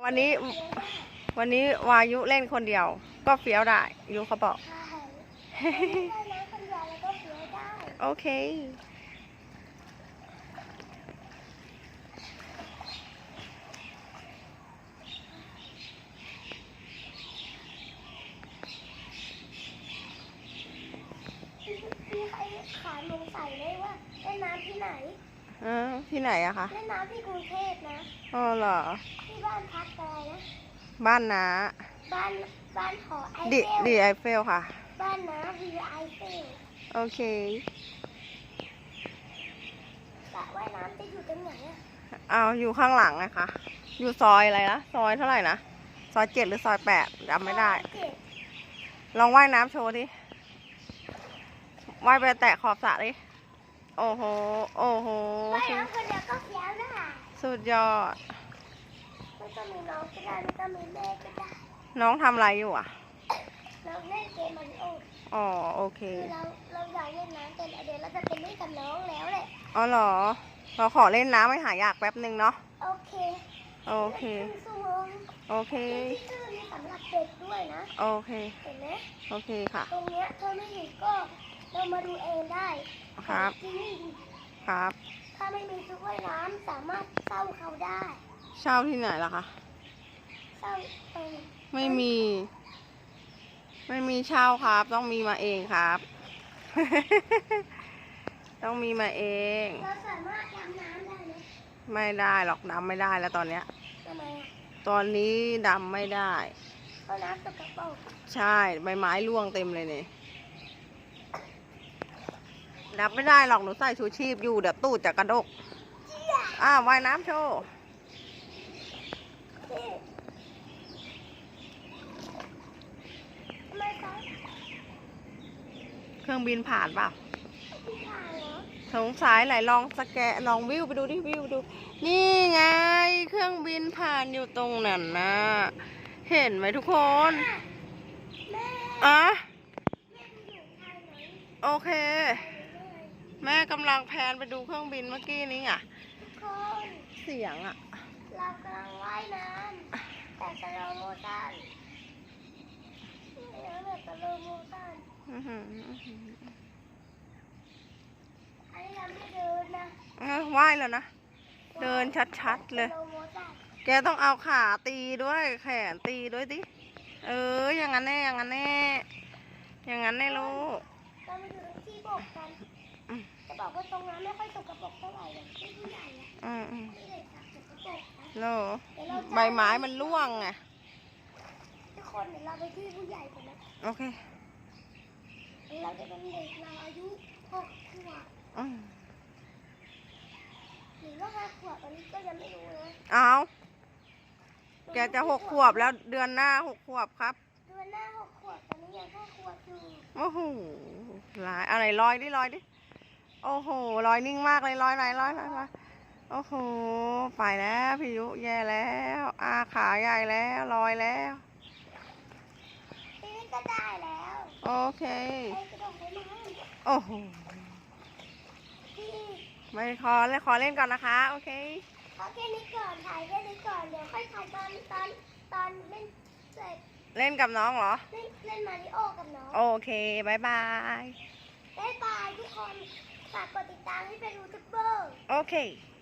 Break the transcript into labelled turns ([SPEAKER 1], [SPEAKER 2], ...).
[SPEAKER 1] วันนี้วายุเล่นคนเดียวก็เฟี้ยวได้ยุเขาบอก โอเค
[SPEAKER 2] พี่ใครขาลงใส่ได้ว่าเล่นน้ำที่ไหน
[SPEAKER 1] ที่ไหนอะคะ
[SPEAKER 2] เล่นน้ำที่กรุงเทพนะ
[SPEAKER 1] อ๋อเหรอ
[SPEAKER 2] ที่บ้านพักอะไรนะ
[SPEAKER 1] บ้านน้า
[SPEAKER 2] บ้านหอไอเฟล
[SPEAKER 1] ดีไอเฟลค่ะ
[SPEAKER 2] บ้านน้าวิวไอเฟล
[SPEAKER 1] โอเค
[SPEAKER 2] สระว่ายน้ำจะอยู่ตรงไหนอะ
[SPEAKER 1] เอาอยู่ข้างหลังนะคะอยู่ซอยอะไรนะซอยเท่าไหร่นะซอย7หรือซอย8จำไม่ได้ลองว่ายน้ำโชว์ดิว่ายไปแตะขอบสระดิโอ้โหโอ้โห
[SPEAKER 2] ว่ายน้ำคนเดียวก็เฟี้ยวนะ
[SPEAKER 1] สุดยอด
[SPEAKER 2] ไม่ต้องมีน้องก็ได้ไม่ต้องมีแม่ก็ได้
[SPEAKER 1] น้องทำอะไรอยู่อ่ะ
[SPEAKER 2] เราเล่นเกมมาริโอ
[SPEAKER 1] อ๋อโอเค
[SPEAKER 2] เราอยากเล่นน้ำกันเดี๋ยวเราจะไปเล่นกับน้องแล้วแหละ
[SPEAKER 1] อ๋อเหรอเราขอเล่นน้ำไม่หายากแป๊บนึงเนาะ
[SPEAKER 2] โอเค
[SPEAKER 1] โอเคโอเค
[SPEAKER 2] ที่ชื่อนี้สำหรับเด็กด้วยนะ
[SPEAKER 1] โอเค
[SPEAKER 2] เห็นไหม
[SPEAKER 1] โอเคค่ะ
[SPEAKER 2] ตรงเนี้ยเธอไม่เห็นก็เรามาดูเองได้
[SPEAKER 1] ครับครับ
[SPEAKER 2] ถ้าไม่มีชุดว่ายน้ำสามารถเช่าเขาได้
[SPEAKER 1] เช่าที่ไหนล่ะคะ
[SPEAKER 2] เช่า
[SPEAKER 1] ไม่มีเช่าครับต้องมีมาเองครับ ต้องมีมาเอง
[SPEAKER 2] เราสามารถดำน้ำได้ไหม
[SPEAKER 1] ไม่ได้หรอกดำไม่ได้แล้วตอนเนี้ย
[SPEAKER 2] ทำไมอ่ะ
[SPEAKER 1] ตอนนี้ดำไม่ได้
[SPEAKER 2] เพราะน้ำสกปรก
[SPEAKER 1] ใช่ใบไม้ร่วงเต็มเลยเนี่ยดำไม่ได้หรอกหนูใส่ชูชีพอยู่เดี๋ยวตูดจะกระดกว่ายน้ำโชว์เครื่องบินผ่านเปล่าสงสัยไหนลองสแกนลองวิวไปดูดิวิวดูนี่ไงเครื่องบินผ่านอยู่ตรงนั้นนะเห็นไหมทุกคนโอเคแม่กำลังแพนไปดูเครื่องบินเมื่อกี้นี้อ่ะเสียงอ่ะ
[SPEAKER 2] เรากำลังว่ายน้ำแต่สโลโมชั่นแบบสโลโมชั่นอันนี้เราไม่เดินนะ
[SPEAKER 1] ว่ายแล้วนะเดินชัดๆเลยแกต้องเอาขาตีด้วยแขนตีด้วยดิอย่างนั้นแน่อย่างนั้นแน่อย่างนั้นแน่ลูก
[SPEAKER 2] เราไปดูที่บอกกันจะบอกว่าตรงนั้นไม่ค่อยสกปรกเท่าไหร่เลยที่ผู้ใหญ่ไม่ได้สกปรก
[SPEAKER 1] โลใบไม้มันร่วงไง
[SPEAKER 2] ทุกคนเดี๋ยวเราไปที่ผู้ใหญ่กันนะ
[SPEAKER 1] โอเค
[SPEAKER 2] เราจะเป็นเด็กเราอายุ6 ขวบหรือว่า5 ขวบอันนี้ก็ยังไม่รู้นะ
[SPEAKER 1] แกจะ6 ขวบแล้วเดือนหน้า6 ขวบครับ
[SPEAKER 2] เดือนหน้า6 ขวบตอนนี้ยัง5 ขวบอยู่
[SPEAKER 1] โอ้โหอะไรลอยดิโอ้โหลอยนิ่งมากเลยลอยโอ้โหไปแล้วพี่ยุแย่แล้วขาใหญ่แล้วลอยแล้ว
[SPEAKER 2] นี่ก็ได้แล้ว
[SPEAKER 1] โอเคโอ้โหไม่ขอเล่นก่อนนะคะโอเค
[SPEAKER 2] แค่นี้ก่อนถ่ายแค่นี้ก่อนเดี๋ยวค่อยถ่ายตอนเล่นเสร็จ
[SPEAKER 1] เล่นกับน้องเหรอ
[SPEAKER 2] เล่นมาริโอกับน้อง
[SPEAKER 1] โอเคบายบาย
[SPEAKER 2] ทุกคนฝากกดติดตามให้เป็นยูทูบเบอร์
[SPEAKER 1] โอเค